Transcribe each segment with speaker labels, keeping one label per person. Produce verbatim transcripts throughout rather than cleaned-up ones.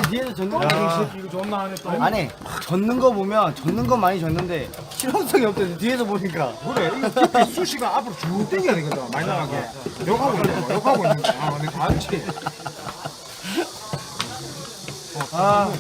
Speaker 1: 뒤에서 젓는 거
Speaker 2: 야, 이거 존나 하네 또.
Speaker 1: 아니 젓는 거 보면 젓는 건 많이 젓는데 실험성이 없대. 뒤에서 보니까
Speaker 2: 그래, 이거 깊이 수시가 앞으로 쭉 당겨야 되거든, 많이 나가게. 욕하고 있는 거, 욕하고 있는 거. 아, 근데 맞지.
Speaker 1: 아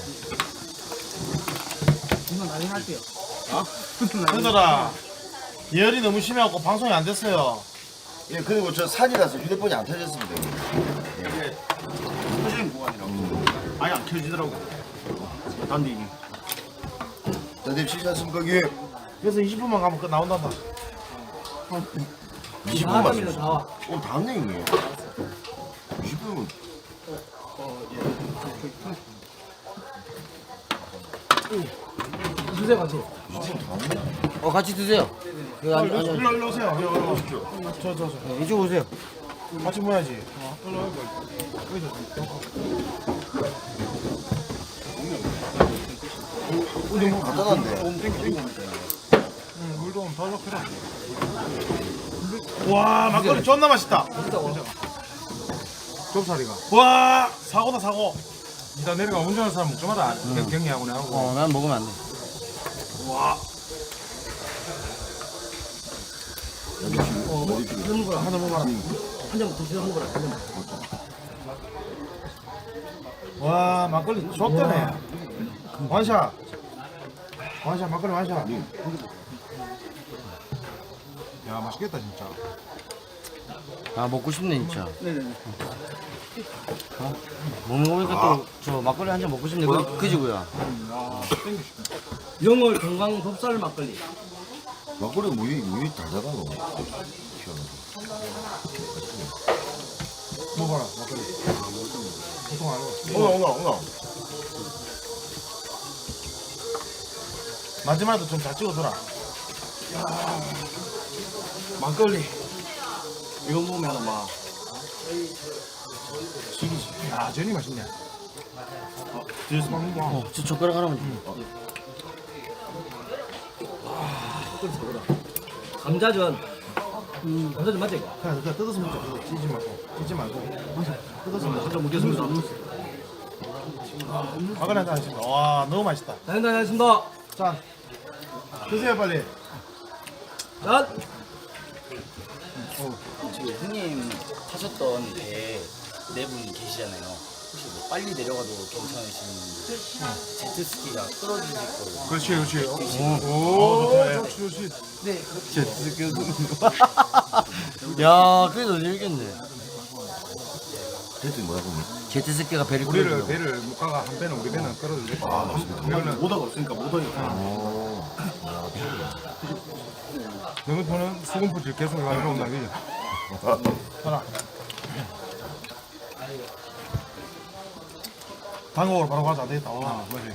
Speaker 2: 이건 나중에 할게요.
Speaker 3: 현들아 예열이 너무 심해갖고 방송이 안 됐어요.
Speaker 4: 예, 그리고 저 산이라서 휴대폰이 안 터졌습니다. 예.
Speaker 5: 터지는 구간이라고. 아예 안 켜지더라고. 단디.
Speaker 4: 다들 쉬셨습니까? 예.
Speaker 3: 그래서 이십 분만 가면 끝 나온단다.
Speaker 4: 이십 분 맞습니다. 어, 다 왔네, 형님. 이십 분은.
Speaker 2: 주세요, 같이.
Speaker 4: 이십 분 다 왔네.
Speaker 1: 어 같이 드세요. 그
Speaker 3: 일로
Speaker 1: 안, 안,
Speaker 3: 일로 일로 오세요. 일로 일로 오십시오. 저 저 저.
Speaker 1: 네, 이쪽 오세요.
Speaker 3: 같이 모야지.
Speaker 4: 우리 뭐 갖다 놨네.
Speaker 3: 응, 물도 좀 더 넣더라. 와 막걸리 존나 맛있다.
Speaker 2: 좁사리가.
Speaker 3: 와 사고다 사고.
Speaker 2: 이따 내려가 운전하는 사람 묵좀하다. 경리하고 나하고.
Speaker 1: 어 난 먹으면 안 돼.
Speaker 3: 와
Speaker 1: 하나 먹어라. 한 잔 드시고 한 거라.
Speaker 3: 와 막걸리 좋다네. 완샷. 완샷 막걸리 완샷.
Speaker 2: 야, 맛있겠다, 진짜.
Speaker 1: 아 먹고 싶네 진짜. 네네. 어? 먹는 거 보니까 또 저 막걸리 한 잔 먹고 싶네. 그, 그지고요.
Speaker 6: 영월 건강 좁쌀 막걸리.
Speaker 4: 막걸리 무이, 무이 달달하고.
Speaker 3: 먹어라 막걸리. 보통 안 먹어.
Speaker 4: 오나, 오나, 오나.
Speaker 3: 마지막에도 좀 잘 찍어줘라.
Speaker 6: 막걸리. 이거 보면 막
Speaker 2: 야, 전이 맛있네.
Speaker 5: 뒤에서 막 먹어.
Speaker 1: 어, 저 젓가락 하나만 줘.
Speaker 6: 감자전. 감자전 맞지 이거?
Speaker 3: 그냥 그냥 뜯어서 먹자. 뜯어. 찢지 말고. 찢지 말고. 뜯어서 먹자.
Speaker 6: 감자 먹겠습니다.
Speaker 3: 막걸리 한잔 하십니다. 와 너무 맛있다.
Speaker 6: 자, 일단 하겠습니다.
Speaker 3: 짠. 드세요 빨리.
Speaker 6: 짠.
Speaker 7: 지금 형님 타셨던 배에 네 분 계시잖아요. 혹시 뭐 빨리 내려가도 괜찮으신 제트스키가 끌어주실 거예요.
Speaker 2: 그렇지, 그렇지.
Speaker 3: 오,
Speaker 2: 좋지, 좋지.
Speaker 1: 야 그래도 재밌겠네.
Speaker 4: 그랬더니 뭐라고 했니?
Speaker 1: 제트스키가 배를
Speaker 2: 우리를,
Speaker 1: 끌어주고.
Speaker 2: 배를 못 가가 한 배는 우리 배는 끌어주겠다.
Speaker 4: 아, 맞습니다.
Speaker 2: 우리는
Speaker 5: 모다가 없으니까 못 하니까.
Speaker 4: 어.
Speaker 2: 영등포는 수금포질 계속 가지고 온다, 그지?
Speaker 3: 하나. 당국으로 바로 가자. 안 되겠다. 와,
Speaker 2: 아, 맞지.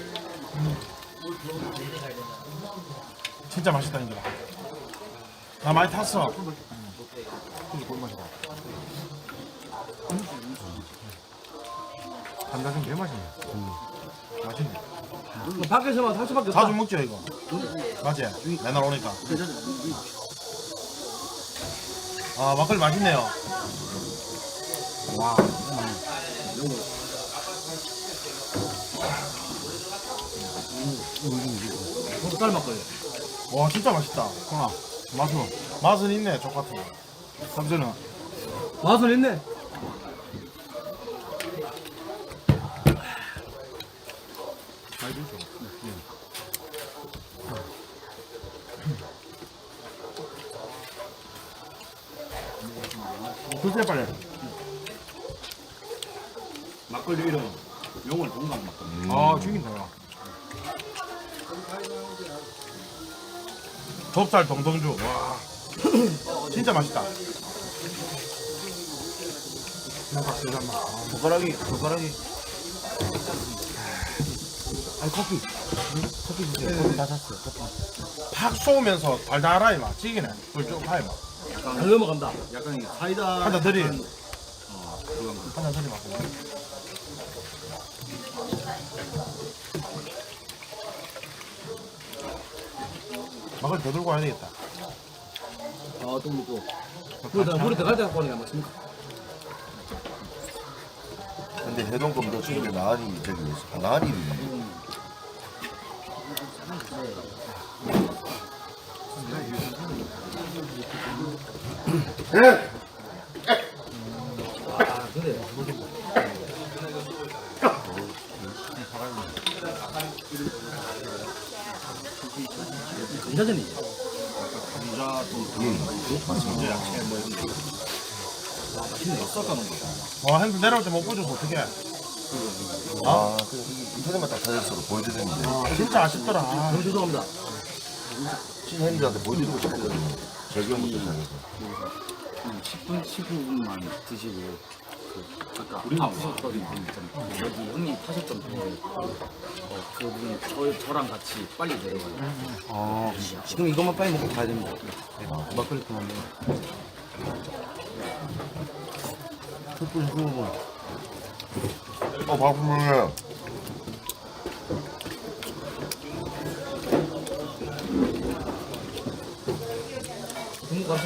Speaker 3: 진짜 맛있다 인들아. 나 많이 탔어.
Speaker 2: 그지, 꿀맛이다. 감자전 개 맛있네. 맛있네.
Speaker 6: 이거 밖에서만 살 수밖에 없다.
Speaker 3: 자주 먹죠 이거. 맞지? 맨날 오니까. 아 막걸리 맛있네요.
Speaker 2: 와.
Speaker 6: 좁쌀 막걸리.
Speaker 3: 와 진짜 맛있다.
Speaker 2: 아, 맛은.
Speaker 3: 맛은 있네 족 같은 거.
Speaker 2: 삼선은.
Speaker 6: 맛은 있네.
Speaker 2: 잘 주죠.
Speaker 3: 드세요 빨리.
Speaker 5: 막걸리 이름 용월 동강 막걸리.
Speaker 2: 아, 죽인다, 야.
Speaker 3: 좁쌀 동동주. 와 진짜 맛있다.
Speaker 5: 젓가락이 젓가락이.
Speaker 1: 아니 커피. 커피 주세요. 커피 다 샀어요. 커피.
Speaker 3: 팍 쏘면서 달달하이 맛. 찌기네. 꿀쭉 하이 맛.
Speaker 6: 잘 넘어간다.
Speaker 5: 약간 이 사이다.
Speaker 3: 한잔 드리.
Speaker 5: 약간, 어, 그런 거.
Speaker 3: 한잔 드리 맛. 막걸리 더 들고 와야 되겠다.
Speaker 6: 아, 또 먹고. 우리 다 우리 들어갈 때 갖고 오니까 맞습니까?
Speaker 4: 근데 해동금도 지금 나한이 저기 나한이
Speaker 6: 아 근데 감자전이지.
Speaker 5: 감자 또 감자 야채 뭐 이런 거. 와 맛있네. 섞어놓은 거.
Speaker 3: 와 형들 내려올 때 못 보여줘서 어떡해.
Speaker 4: 아 그냥 인터넷만 딱 찾아서 보여드렸는데
Speaker 3: 아, 진짜 아쉽더라. 아,
Speaker 6: 너무 죄송합니다.
Speaker 4: 친형님들한테 보여드리고 싶었거든요. 적용부터 시작해서.
Speaker 7: 십 분, 십오 분만 드시고 그 아까 아프셨던 분 있잖아요. 여기 형님 타셨던 분 어, 그분 저, 저랑 같이 빨리 내려가요.
Speaker 1: 아, 지금 이것만 빨리 먹고 가야 됩니다. 막걸리 그만데. 숯불 후고.
Speaker 4: 어 바쁘네.
Speaker 6: 중국 가서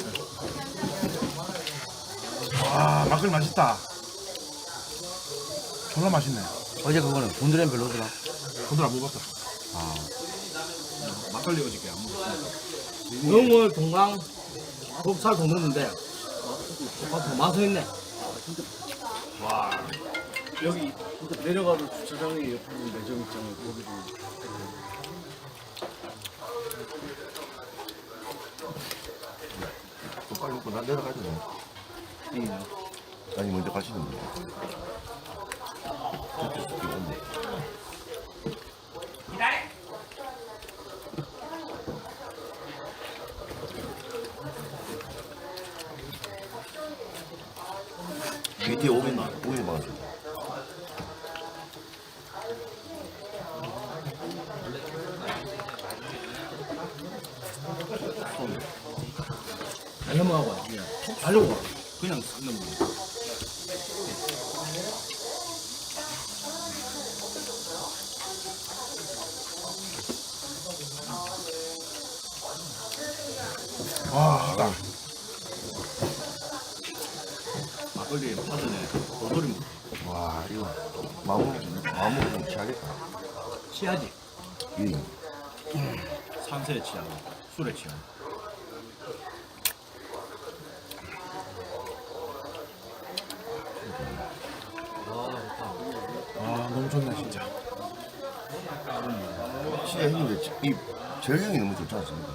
Speaker 3: 와 막걸리 맛있다. 졸라 맛있네.
Speaker 1: 어제 그거는 곤드레는 별로더라.
Speaker 3: 오늘 안 먹었다.
Speaker 5: 막걸리 어저께 안 먹었어.
Speaker 6: 영월 동강 곱살 더 넣었는데 어, 맛은 있네.
Speaker 5: 와 여기 진짜 내려가도 주차장에 옆에 매점 있잖아요. 거기도
Speaker 4: 좀 빨리 먹고 난 내려가야 되네. 아니 먼저 가시는 분. 밑에 오면 오면 막았어.
Speaker 6: 잘 넘어가고 와. 잘 넘어가.
Speaker 5: 그냥 싹 넘어.
Speaker 3: 와 나.
Speaker 5: 막걸리 파전에 도토리 묵.
Speaker 4: 와 이거 마음 마음으로 좀 취하겠다.
Speaker 6: 취하지.
Speaker 4: 예.
Speaker 5: 산세에 취하고 술에 취하고.
Speaker 3: 아 너무 좋네 진짜.
Speaker 4: 진짜 형님 이 절경이 너무 좋지 않습니까?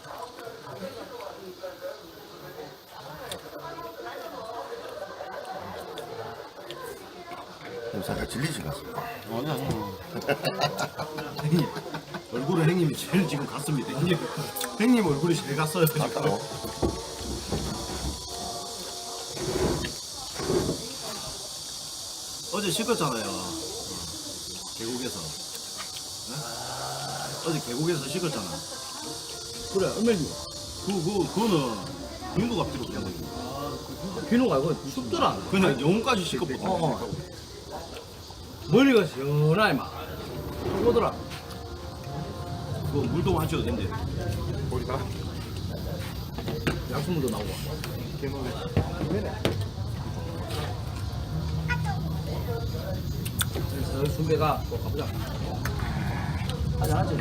Speaker 4: 형 살짝 질리신 것 같습니다.
Speaker 1: 아니, 아니.
Speaker 5: 형님 얼굴에 형님이 제일 지금 갔습니다. 형님 형님 얼굴이 제일 갔어요. 지금.
Speaker 4: 아까워.
Speaker 5: 어제 식었잖아요. 계곡에서. 네? 어제 계곡에서 식었잖아.
Speaker 6: 그래 얼마지?
Speaker 5: 그, 그, 그거는 민국 앞뒤로 그냥
Speaker 6: 비누가 이거 춥더라.
Speaker 5: 그냥 영혼까지 식었거든.
Speaker 6: 어, 어. 머리가 시원하게 막 오더라.
Speaker 5: 그거 물도 마셔도 된대.
Speaker 6: 약수물도 나오고. 그래서 순배가 또 가보자. 하자 하자.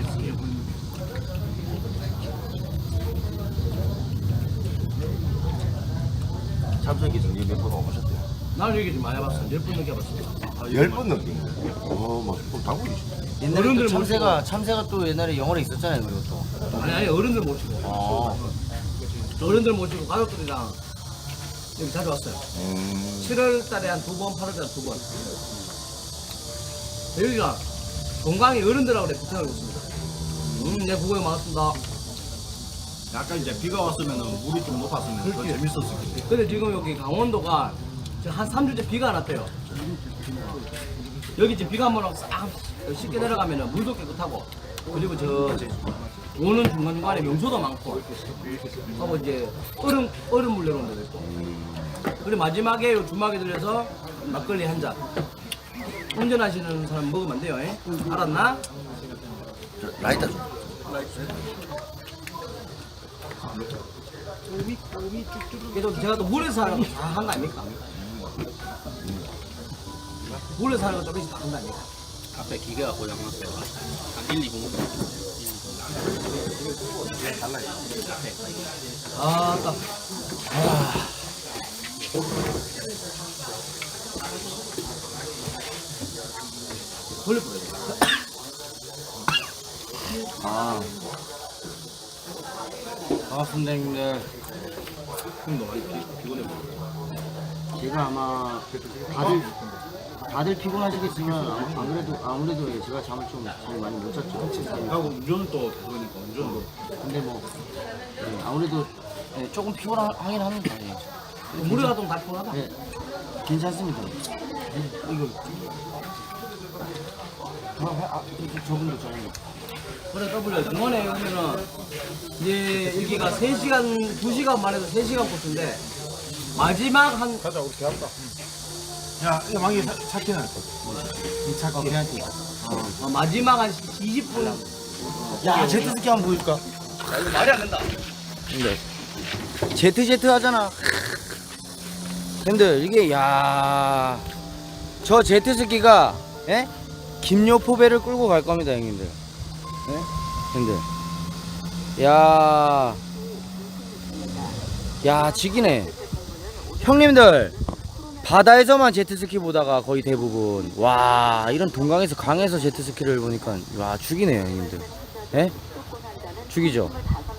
Speaker 4: 참석이 정리 몇번 와보셨대요?
Speaker 6: 나는 얘기 좀 많이 해봤어. 몇 분 넘게 해봤어.
Speaker 4: 열 번 넘긴 거예요. 어, 막 당분이시네.
Speaker 1: 옛날에
Speaker 6: 어른들
Speaker 1: 또 참새가, 참새가 또 옛날에 영월에 있었잖아요, 그리고 또.
Speaker 6: 아니 아니 어른들 모시고.
Speaker 1: 아,
Speaker 6: 어른들 모시고 가족들이랑 여기 자주 왔어요.
Speaker 4: 음,
Speaker 6: 칠월 달에 한 두 번, 팔월 달에 두 번. 여기가 동강이 어른들하고 내 붙어가고 있습니다. 음, 네, 구경이 많았습니다.
Speaker 5: 약간 이제 비가 왔으면 물이 좀 높았으면 더
Speaker 6: 그렇지.
Speaker 5: 재밌었을 텐데.
Speaker 6: 근데 지금 여기 강원도가 지금 한 삼 주째 비가 안 왔대요. 여기 지금 비가 한번 오고 싹 쉽게 내려가면 물도 깨끗하고 그리고 저, 저 오는 중간중간에 명소도 많고 하고 이제 얼음, 얼음 물 내려오는 데도 있고 그리고 마지막에 요 주막에 들려서 막걸리 한 잔 운전하시는 사람 먹으면 안 돼요. 에? 알았나?
Speaker 4: 저, 라이터 좀.
Speaker 6: 그래도 제가 또 물에서 하는 거 다 한 거 아닙니까? 몰래 사는 거 조금씩 다른다니까.
Speaker 7: 앞에 기계가 고장났어요. 한 일, 이 분.
Speaker 6: 아, 아까. 돌려 보여.
Speaker 1: 아 반갑습니다 형님들.
Speaker 5: 형도 많이 피- 피곤해 보여.
Speaker 1: 제가 아마 다들 다들 피곤하시겠지만 안, 안 그래도 아무래도 제가 잠을 좀 잠을 많이 못 잤죠.
Speaker 5: 하고 운전은 또 계속이니까 운전도.
Speaker 1: 근데 뭐 네, 아무래도 네, 조금 피곤하긴 합니다. 예.
Speaker 6: 물에 가도 다 피곤하다.
Speaker 1: 네, 괜찮습니다. 이거 아, 아, 저- 저분도 저분도
Speaker 6: 그래 W 중간에 오면은 이제 여기가 세 시간 두 시간 만에서 세 시간 코스인데 마지막 한
Speaker 2: 가자 우리 대학가.
Speaker 3: 야, 이거 망이 차키는.
Speaker 1: 이 차가 걔한테
Speaker 6: 어, 마지막 한 이십 분.
Speaker 1: 야 제트스키 한번 보여줄까?
Speaker 6: 이거 말이 안 된다.
Speaker 1: 근데 제트 제트 하잖아. 근데 이게 야 저 제트스키가 예? 김요포배를 끌고 갈 겁니다 형님들. 예? 형님들 야, 야 지기네 형님들. 바다에서만 제트스키 보다가 거의 대부분 와 이런 동강에서 강에서 제트스키를 보니까 와 죽이네요 형님들. 예? 죽이죠.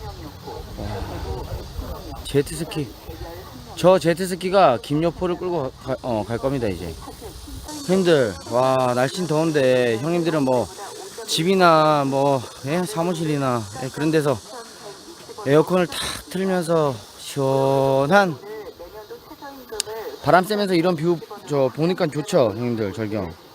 Speaker 1: 와, 제트스키 저 제트스키가 김여포를 끌고 가, 어, 갈 겁니다 이제. 형님들 와 날씨는 더운데 형님들은 뭐 집이나 뭐 예? 사무실이나 예? 그런 데서 에어컨을 탁 틀면서 시원한 바람 쐬면서 이런 뷰 저 보니까 좋죠 형님들. 절경